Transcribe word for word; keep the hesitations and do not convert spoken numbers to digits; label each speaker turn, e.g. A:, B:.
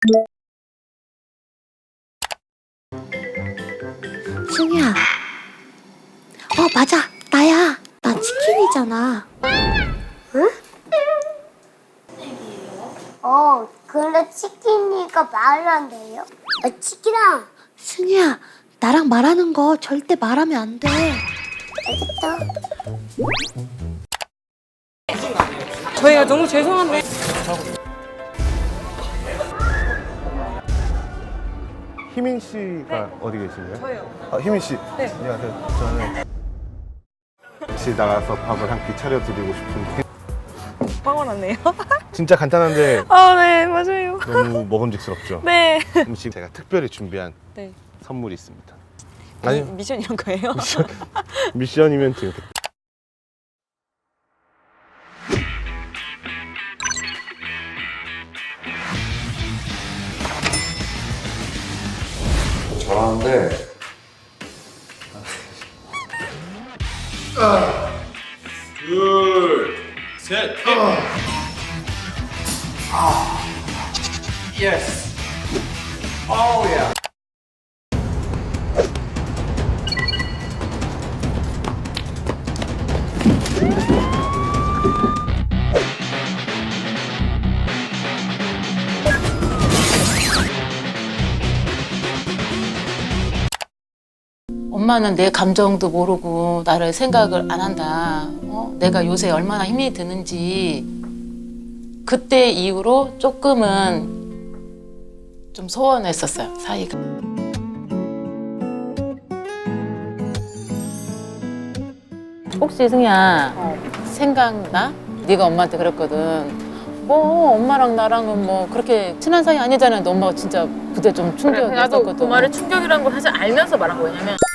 A: 승희야. 어, 맞아. 나야. 나 치킨이잖아.
B: 응? 어, 근데 치킨이가 말을 안 돼요? 아, 치킨아.
A: 승희야, 나랑 말하는 거 절대 말하면 안 돼.
B: 알겠다.
C: 저희가 너무 죄송한데.
D: 희민 씨가 어디 계신가요?
C: 저요.
D: 아, 희민 씨.
C: 네.
D: 안녕하세요. 저는 같이 나가서 밥을 한 끼 차려드리고 싶은데
C: 빵원 왔네요.
D: 진짜 간단한데
C: 아, 네, 맞아요.
D: 너무 먹음직스럽죠?
C: 네.
D: 음식 제가 특별히 준비한
C: 네.
D: 선물이 있습니다.
C: 미,
D: 아니요.
C: 미션 이런 거예요?
D: 미션이면 지금
E: 잘하는데
F: 엄마는 내 감정도 모르고 나를 생각을 안 한다. 어? 내가 요새 얼마나 힘이 드는지 그때 이후로 조금은 좀 소원했었어요, 사이가. 혹시 승희야 생각나? 네가 엄마한테 그랬거든. 뭐 엄마랑 나랑은 뭐 그렇게 친한 사이 아니잖아. 너 엄마가 진짜 그때 좀
G: 그래, 나도
F: 충격이었었거든.
G: 그 말을 충격이라는 걸 사실 알면서 말한 거예요. 왜냐면